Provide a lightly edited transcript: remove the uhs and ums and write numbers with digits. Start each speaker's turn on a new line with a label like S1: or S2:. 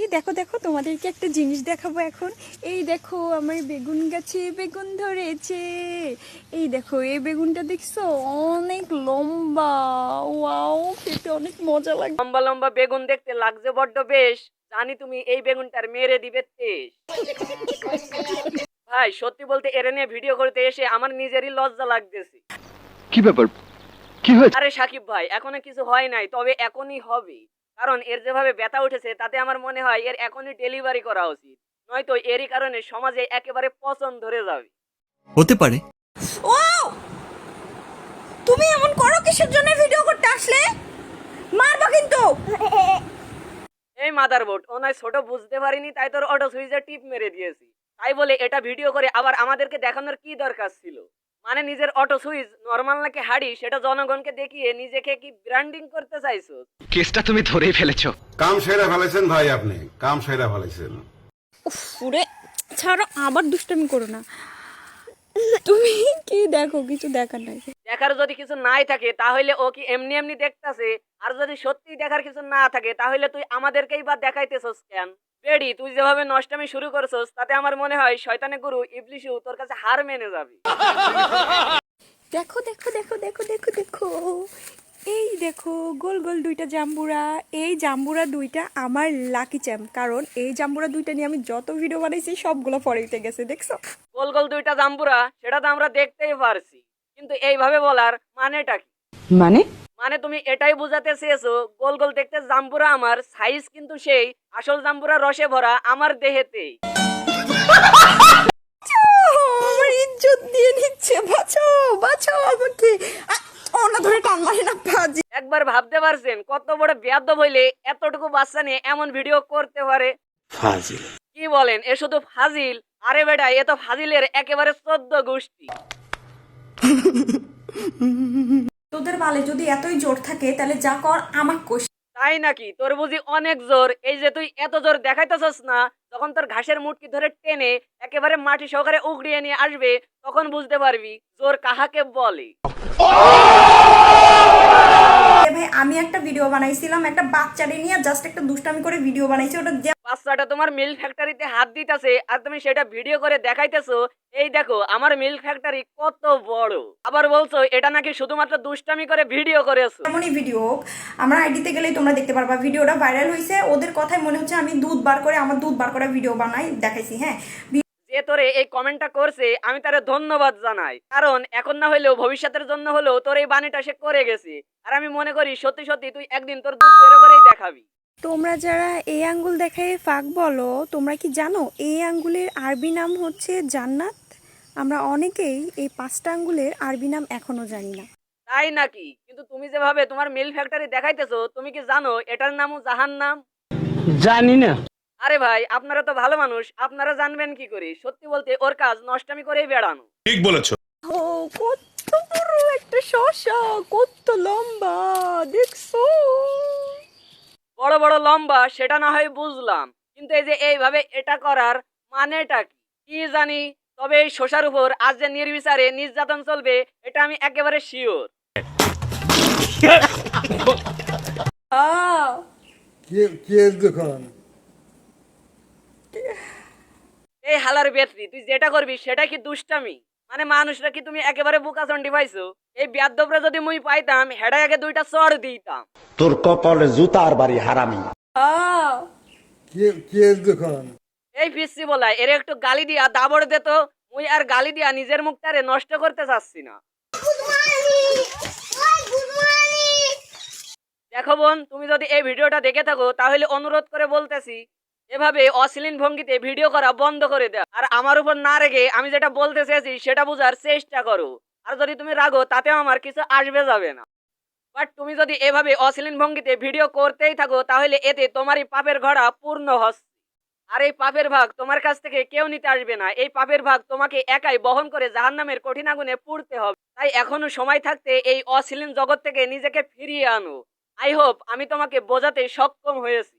S1: দেখো দেখো তোমাদেরকে একটা জিনিস দেখাবো এখন। এই দেখো আমার বেগুন গাছে বেগুন ধরেছে। এই দেখো এই বেগুনটা দেখছো, অনেক লম্বা। ওয়াও, খেতে অনেক মজা লাগে।
S2: লম্বা লম্বা বেগুন দেখতে লাগছে বড্ড বেশ। জানি তুমি এই বেগুনটার মেরে দিবে তেজ। ভাই সত্যি বলতে এর নিয়ে ভিডিও করতে এসে আমার নিজেরই লজ্জা লাগতেছে।
S3: কি ব্যাপার, কি হয়েছে?
S2: আরে সাকিব ভাই, এখনো কিছু হয় নাই, তবে এখনই হবে। কারণ এর যেভাবে ব্যথা উঠেছে তাতে আমার মনে হয় এর এখনই ডেলিভারি করা উচিত, নয়তো এরই কারণে সমাজে একেবারে পচন ধরে যাবে।
S4: হতে পারে।
S1: ও, তুমি এমন করো কিসের জন্য? ভিডিও করতে আসলে মারবা কিন্তু।
S2: এই মাদারবোর্ড, ও নয় ছোট বুঝতে পারিনি তাই তোর অটো সুইচে টিপ মেরে দিয়েছি। তাই বলে এটা ভিডিও করে আবার আমাদেরকে দেখানোর কি দরকার ছিল? মানে নিজের অটো সুইচ নরমাল নাকি হাড়ি সেটা জনগণকে দেখিয়ে নিজেকে কি ব্র্যান্ডিং করতে চাইছো?
S3: কেসটা তুমি ধরেই ফেলেছো।
S5: কাম সেরা ফেলেছেন ভাই, আপনি কাম সেরা ফেলেছেন।
S1: পুরে ছাড়ো, আবার দুষ্টামি করো না। তুমি কি দেখো? কিছু দেখার নাই।
S2: দেখার যদি কিছু নাই থাকে তাহলে ও কি এমনি এমনি দেখতাছে? আর যদি সত্যি দেখার কিছু না থাকে তাহলে তুই আমাদেরকেই বা দেখাইতেছস কেন? বেডি, তুই যেভাবে নষ্টামি শুরু করছস তাতে আমার মনে হয় শয়তানের গুরু ইবলিশু তোর কাছে হার মেনে যাবে।
S1: দেখো দেখো দেখো দেখো দেখো দেখো, এই দেখো গোল গোল দুইটা জাম্বুরা। এই জাম্বুরা দুইটা আমার লাকি চ্যাম্প, কারণ এই জাম্বুরা দুইটা নিয়ে আমি যত ভিডিও বানাইছি সবগুলো ফরেতে গেছে। দেখছো
S2: গোল গোল দুইটা জাম্বুরা, সেটা তো আমরা দেখতেই পারছি, কিন্তু এইভাবে বলার মানেটা কি? মানে তুমি এটাই বুঝাতে চেয়েছো গোল গোল দেখতে জাম্বুরা আমার, সাইজ কিন্তু সেই আসল জাম্বুরা রসে ভরা আমার দেহেতেই।
S1: আমার ইজ্জত দিয়ে নিচ্ছে। বাঁচাও বাঁচাও আমাকে। ওনা ধরে টান মারে না বাজি।
S2: একবার ভাবতে পারছেন কত বড় বেয়াদব হইলে এতটুকু বাচ্চা নিয়ে এমন ভিডিও করতে পারে?
S4: ফাজিল।
S2: কি বলেন, এ শুধু ফাজিল? আরে বেটা, এ তো ফাজিলের একেবারে 14 গোষ্ঠী।
S1: তোদের বালে যদি এতই জোর থাকে তাহলে যা কর আমাক কোষ।
S2: তাই নাকি? তোর বুঝি অনেক জোর? এই যে তুই এত জোর দেখাইতেছস না, তখন তোর ঘাসের মুটকি ধরে টেনে একেবারে মাটি সহকারে উগড়িয়ে নিয়ে আসবে, তখন বুঝতে পারবি জোর কাহাকে বলে।
S1: ভাই আমি একটা ভিডিও বানাইছিলাম একটা বাচ্চারে নিয়ে, জাস্ট একটা দুষ্টামি করে ভিডিও বানাইছি। ওটা
S2: বাচ্চাটা তোমার মিল্ক ফ্যাক্টরিতে হাত দিতেছে আর তুমি সেটা ভিডিও করে দেখাইতেছো। এই দেখো আমার মিল্ক ফ্যাক্টরি কত বড়, আবার বলছো এটা নাকি শুধুমাত্র দুষ্টামি করে ভিডিও করেছো।
S1: এমনই ভিডিও আমরা আইডিতে গেলেই তোমরা দেখতে পারবা। ভিডিওটা ভাইরাল হয়েছে, ওদের কথাই মনে হচ্ছে আমি দুধ বার করে আমার দুধ বার করে ভিডিও বানাই দেখাইছি। হ্যাঁ,
S2: যে তোরে এই কমেন্টটা করছে আমি তারে ধন্যবাদ জানাই, কারণ এখন না হলেও ভবিষ্যতের জন্য হলেও তোর এই বাণীটা সে করে গেছে। আর আমি মনে করি সত্যি সত্যি তুই একদিন তোর দুধ বেরো করেই দেখাবি।
S1: তোমরা যারা এই আঙ্গুল দেখায় ফাঁক বলো, তোমরা কি জানো এই আঙ্গুলের আরবি নাম হচ্ছে জান্নাত? আমরা অনেকেই এই 5টা আঙ্গুলের আরবি নাম এখনো জানি না।
S2: তাই নাকি? কিন্তু তুমি যেভাবে তোমার মিল্ক ফ্যাক্টরি দেখাইতেছো, তুমি কি জানো এটার নামও জাহান্নাম?
S3: জানি না।
S2: আরে ভাই, আপনারা তো ভালো মানুষ, আপনারা জানবেন কি করে? সত্যি বলতে ওর কাজ নষ্টামি করেই বেড়ানো।
S5: ঠিক বলেছো।
S1: ও কত বড় একটা শসা, কত লম্বা দেখছো?
S2: বড় বড় লম্বা সেটা না হয় বুঝলাম, কিন্তু এই যে এইভাবে এটা করার মানেটা কি? কি জানি, তবে এই শসার উপর আজ যে নির্বিচারে নির্যাতন চলবে এটা আমি একেবারে শিওর। এই হালার বেত্রি, তুই যেটা করবি সেটা কি দুষ্টামি? মানে মানুষরা কি তুমি একেবারে বোকাচন্ডি পাইছো? এই বেয়াদবরা যদি মুই পাইতাম হেডা আগে 2টা চড় দিতাম।
S6: তোর কপালে জুতার বাড়ি হারামি।
S2: এই পিসি বলাই এর একটু গালি দিয়া দাবড় দে তো। মুই আর গালি দিয়া নিজের মুখটারে নষ্ট করতে চাচ্ছি না। দেখো বোন, তুমি যদি এই ভিডিওটা দেখে থাকো তাহলে অনুরোধ করে বলতেছি এভাবে অশ্লীল ভঙ্গিতে ভিডিও করা বন্ধ করে দাও। আর আমার উপর না রেগে আমি যেটা বলতে চেয়েছি সেটা বোঝার চেষ্টা করো। আর যদি তুমি রাগো তাতেও আমার কিছু আসবে যাবে না। বাট তুমি যদি এভাবে অশ্লীল ভঙ্গিতে ভিডিও করতেই থাকো তাহলে এতে তোমারই পাপের ঘোড়া পূর্ণ হচ্ছে। আর এই পাপের ভাগ তোমার কাছ থেকে কেউ নিতে আসবে না। এই পাপের ভাগ তোমাকে একাই বহন করে জাহান্নামের কঠিন আগুনে পুড়তে হবে। তাই এখনো সময় থাকতে এই অশ্লীল জগৎ থেকে নিজেকে ফিরিয়ে আনো। আই হোপ আমি তোমাকে বোঝাতে সক্ষম হয়েছি।